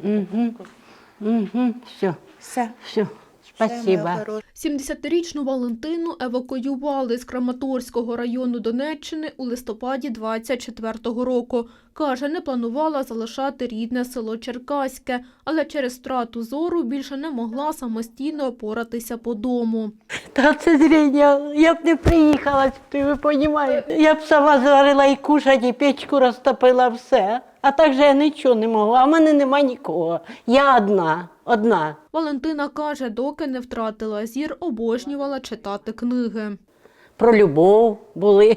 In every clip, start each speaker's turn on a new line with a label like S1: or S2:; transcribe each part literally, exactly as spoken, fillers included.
S1: Угу. Угу. Все.
S2: Все.
S1: Все. Спасибо.
S3: сімдесятирічну Валентину евакуювали з Краматорського району Донеччини у листопаді двадцять четвертого року. Каже, не планувала залишати рідне село Черкаське, але через втрату зору більше не могла самостійно опоратися по дому.
S1: Та це зріння, я б не приїхала сюди, ви розумієте. Я б сама зварила і кушать, і печку розтопила, все. А так же я нічого не могла, а в мене нема нікого. Я одна, одна.
S3: Валентина каже, доки не втратила зір, обожнювала читати книги.
S1: Про любов були.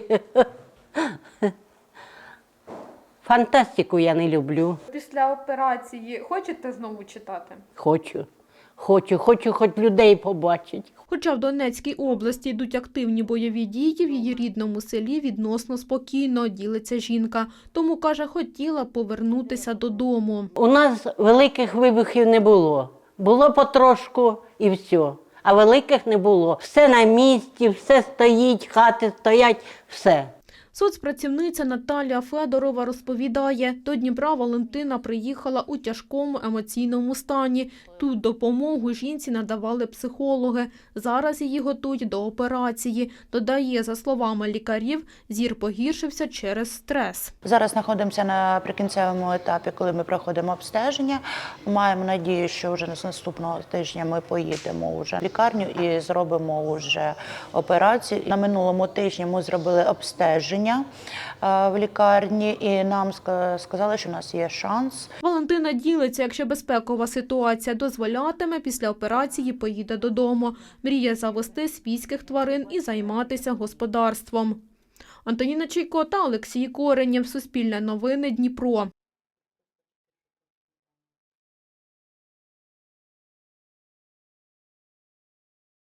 S1: Фантастику я не люблю.
S4: Після операції хочете знову читати?
S1: Хочу, хочу, хочу хоч людей побачити.
S3: Хоча в Донецькій області йдуть активні бойові дії, в її рідному селі відносно спокійно, ділиться жінка. Тому, каже, хотіла повернутися додому.
S1: У нас великих вибухів не було. Було потрошку і все. А великих не було. Все на місці, все стоїть, хати стоять, все.
S3: Соцпрацівниця Наталія Федорова розповідає, до Дніпра Валентина приїхала у тяжкому емоційному стані. Тут допомогу жінці надавали психологи. Зараз її готують до операції. Додає, за словами лікарів, зір погіршився через стрес.
S2: Зараз знаходимося на прикінцевому етапі, коли ми проходимо обстеження. Маємо надію, що вже з наступного тижня ми поїдемо вже в лікарню і зробимо вже операцію. На минулому тижні ми зробили обстеження в лікарні, і нам сказали, що у нас є шанс.
S3: Валентина ділиться, якщо безпекова ситуація дозволятиме, після операції поїде додому. Мріє завести свійських тварин і займатися господарством. Антоніна Чайко та Олексій Коренєв. Суспільне новини, Дніпро.